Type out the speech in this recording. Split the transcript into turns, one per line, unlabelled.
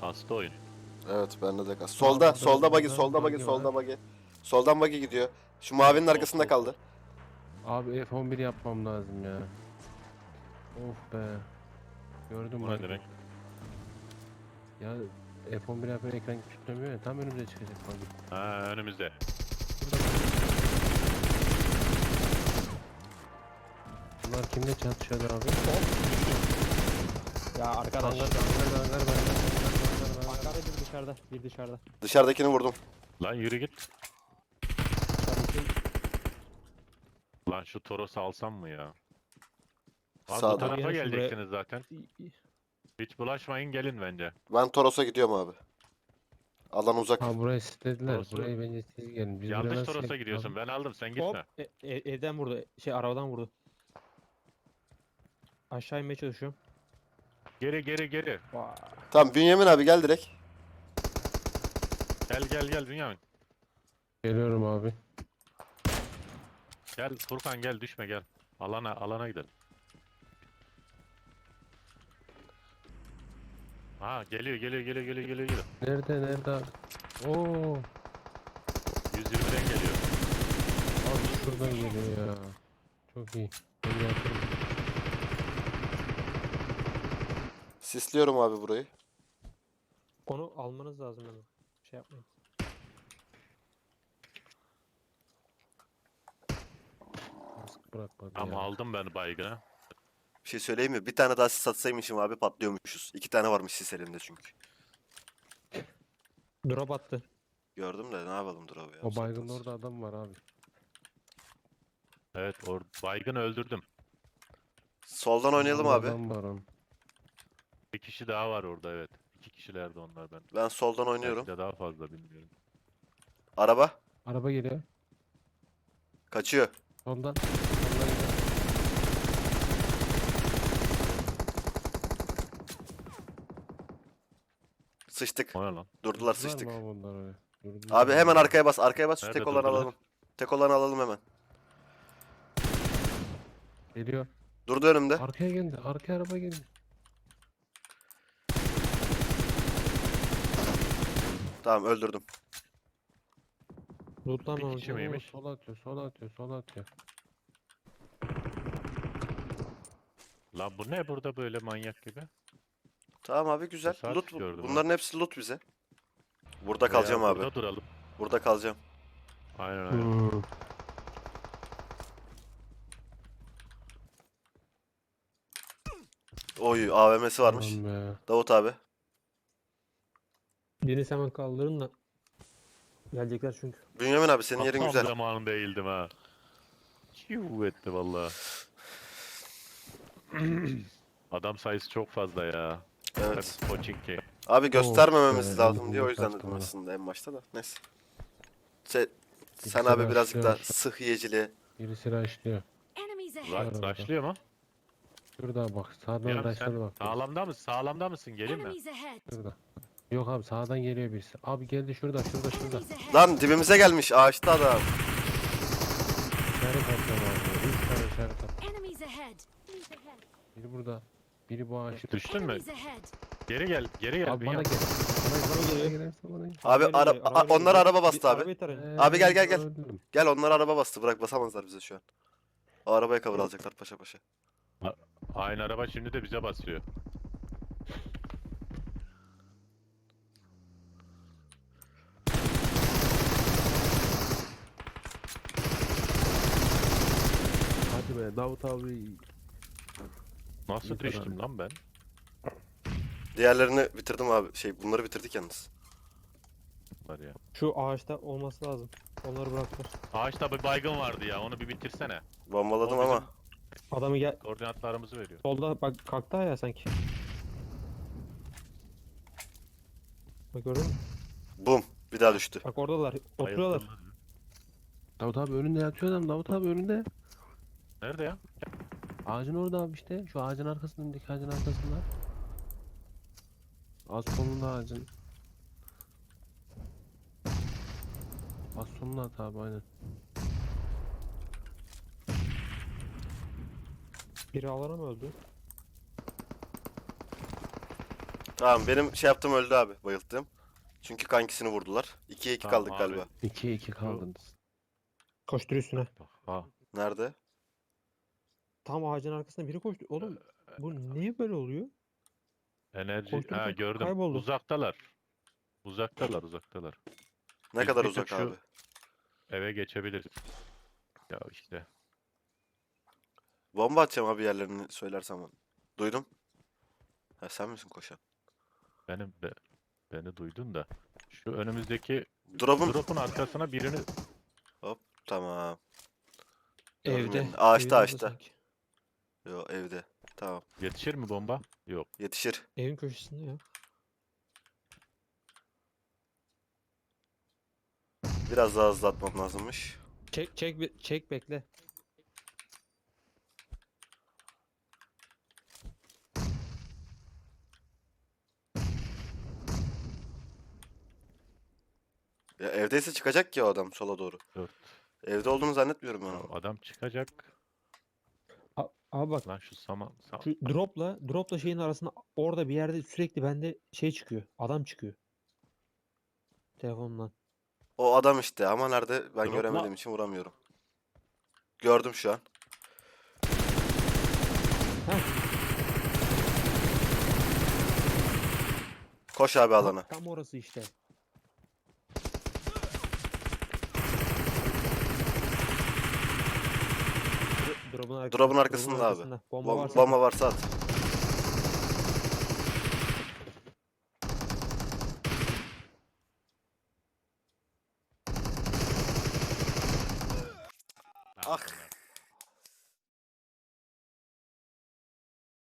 Kastı oyun.
Evet bende de kas. Solda, solda buggy, solda buggy, solda buggy. Soldan buggy gidiyor. Şu mavinin arkasında kaldı.
Abi F11 yapmam lazım ya. Of be. Gördüm
Bu
bak.
ne demek?
Ya F11 yapınca ekran küçültemiyor ya. Tam önümüze çıkacak buggy.
Ha, önümüzde.
Bunlar kimle çatışıyordu abi?
Ya arkadaş.
Hangar
Hangarda bir dışarıda. Bir dışarıda.
Dışarıdakini vurdum.
Lan yürü git.
Dışarıdaki
Lan şu Toros'u alsam mı ya? Abi bu
Sağda.
tarafa
Yani
geleceksiniz zaten. Hiç bulaşmayın, gelin bence.
Ben Toros'a gidiyorum abi. Alan uzak.
Ha burayı istediler.
Orası-
Burayı bence siz gelin. Biz buraya
Yanlış
nasıl
Toros'a
geldik
gidiyorsun.
abi?
Ben aldım, sen
hop
gitme.
evden vurdu. Arabadan vurdu. Aşağı inmeye çalışıyorum.
Geri geri geri.
Vay.
Tamam Bünyamin abi gel direkt.
Gel Bünyamin.
Geliyorum abi.
Gel Furkan, gel düşme gel. Alana gidelim. Ha geliyor.
Nerede abi? Oo.
120'den geliyor.
Abi şuradan geliyor ya. Çok iyi. Ben yaptım.
Sisliyorum abi burayı.
Onu almanız lazım hemen. Şey yapmayın.
Kask bırakmadı
Ama
ya.
aldım ben baygını.
Bir şey söyleyeyim mi? Bir tane daha sis atsaymışım abi patlıyormuşuz. 2 tane varmış sis elimde çünkü.
Drop attı.
Gördüm de ne yapalım dur abi ya.
O baygın orada adam var abi.
Evet, baygını öldürdüm.
Soldan oynayalım
Orada
abi.
Adam var onun.
Bir kişi daha var orada, evet. 2 kişilerdi onlar ben.
Ben soldan oynuyorum.
Belki de daha fazla, bilmiyorum.
Araba.
Araba geliyor.
Kaçıyor.
Soldan. Soldan geliyor.
Sıçtık.
O ne lan?
Durdular
Durdular
sıçtık.
mı abi onlar oraya? Durdular
Abi
mı?
hemen arkaya bas. Arkaya bas. Şu
Nerede
tek olanı
durdular?
alalım. Tek olanı alalım hemen.
Geliyor.
Durdu önümde.
Arkaya geldi. Arkaya araba geldi.
Tamam öldürdüm.
Lootlanmamış.
Bir kişi mi? Kimiymiş?
Sola atıyor. Sola atıyor. Sola atıyor.
Lan bu ne burada böyle manyak gibi?
Tamam abi güzel.
Tesadüf
Loot
gördüm
bunların hepsi loot bize. Burada
Veya
kalacağım abi.
Burada duralım.
Burada kalacağım.
Aynen.
Oy AVM'si varmış.
Aman be.
Davut abi.
Birini hemen kaldırın da. Gelecekler çünkü.
Bünyamin abi senin yerin
Tam
güzel.
zamanında eğildim ha. Çiu etti valla. Adam sayısı çok fazla ya.
Evet.
Hep Pochinki.
Abi göstermememiz
Evet,
lazım
elimde
diye o yüzden
kaçtı
dedim
bana.
aslında en başta da. Neyse. Sen
İkisi
abi birazcık da
başlıyor.
sıh yiyeciliğe.
Birisi raşlıyor.
Enemies ahead.
Başlıyor mu?
Şurada bak. Sağdan
Ya
raşladı
sen
bak.
sağlamda mısın? Sağlamda mısın? Gelin mi?
Enemies ahead.
Şurada. Yok abi sağdan geliyor birisi. Abi geldi şurada. Şurada.
Enemies ahead.
Lan dibimize gelmiş ağaçta adam.
İşaret atacağım abi. 3 tane işaret at.
Enemies ahead.
Biri burada. Biri bu ağaçta.
Düştün mü?
Enemies ahead.
Geri gel. Geri gel.
Abi bana
Bünyamin.
gel. Bana
geliyor.
gelirse bana gel.
Abi onlar araba bastı abi.
Arabayı tarayın.
Abi gel, gel, gel.
Öldüm.
Gel onlar araba bastı. Bırak basamazlar bize şu an. O arabaya cover alacaklar paşa paşa.
Aynı araba şimdi de bize basıyor.
Hadi be Davut abi.
Nasıl
İyi kadar.
düştüm lan ben?
Diğerlerini bitirdim abi. Bunları bitirdik yalnız.
Var ya.
Şu ağaçta olması lazım. Onları bıraktılar.
Ağaçta bir baygın vardı ya. Onu bir bitirsene.
Bombaladım
O bizim
ama.
Adamı gel.
Koordinatlarımızı veriyor.
Solda bak kalktı ya sanki. Bak gördün mü?
Bum. Bir daha düştü.
Bak oradalar. Oturuyorlar.
Bayıldım.
Davut abi önünde yatıyor adam. Davut abi önünde.
Nerede ya?
Ağacın orada abi işte. Şu ağacın arkasında. Öndeki ağacın arkasında. Az sonunda ağacın. Az sonunda at abi aynen.
Biri alana mı öldü?
Tamam benim şey yaptığım öldü abi. Bayılttım. Çünkü kankisini vurdular. 2'ye 2
Tamam
kaldık
abi.
galiba.
2'ye 2 kaldınız.
Koştur üstüne.
Ha.
Nerede?
Tam ağacın arkasına biri koştu. Oğlum bu niye böyle oluyor?
Enerji.
Koştururken
Ha gördüm.
kayboldu.
Uzaktalar. Uzaktalar.
Ne
Biz
kadar
bir tık
uzak
şu-
abi?
Eve geçebiliriz. Ya işte.
Bomba atacağım abi yerlerini söylersem. Duydum. Ha sen misin koşan?
Beni duydun da. Şu önümüzdeki
Drop'un.
drop'un arkasına birini
Tamam. Gördüm
Evde.
yerini. Ağaçta,
Evin orada
ağaçta.
sanki.
Yo evde. Tamam.
yetişir mi bomba? Yok.
Yetişir.
Evin köşesinde ya.
Biraz daha hızlı atmam lazımmış.
Çek bekle.
Ya evdeyse çıkacak ki o adam sola doğru.
4.
Evde olduğunu zannetmiyorum ben onu.
Adam çıkacak.
Abi bak
Lan şu saman.
şu dropla şeyin arasında orada bir yerde sürekli bende şey çıkıyor. Adam çıkıyor. Telefondan.
O adam işte ama nerede ben
Drop'la-
göremediğim için vuramıyorum. Gördüm şu an. Koş abi alana.
Tam orası işte. Drop'un
Drop'un arkasında abi.
Bomba varsa
Bomba varsa at.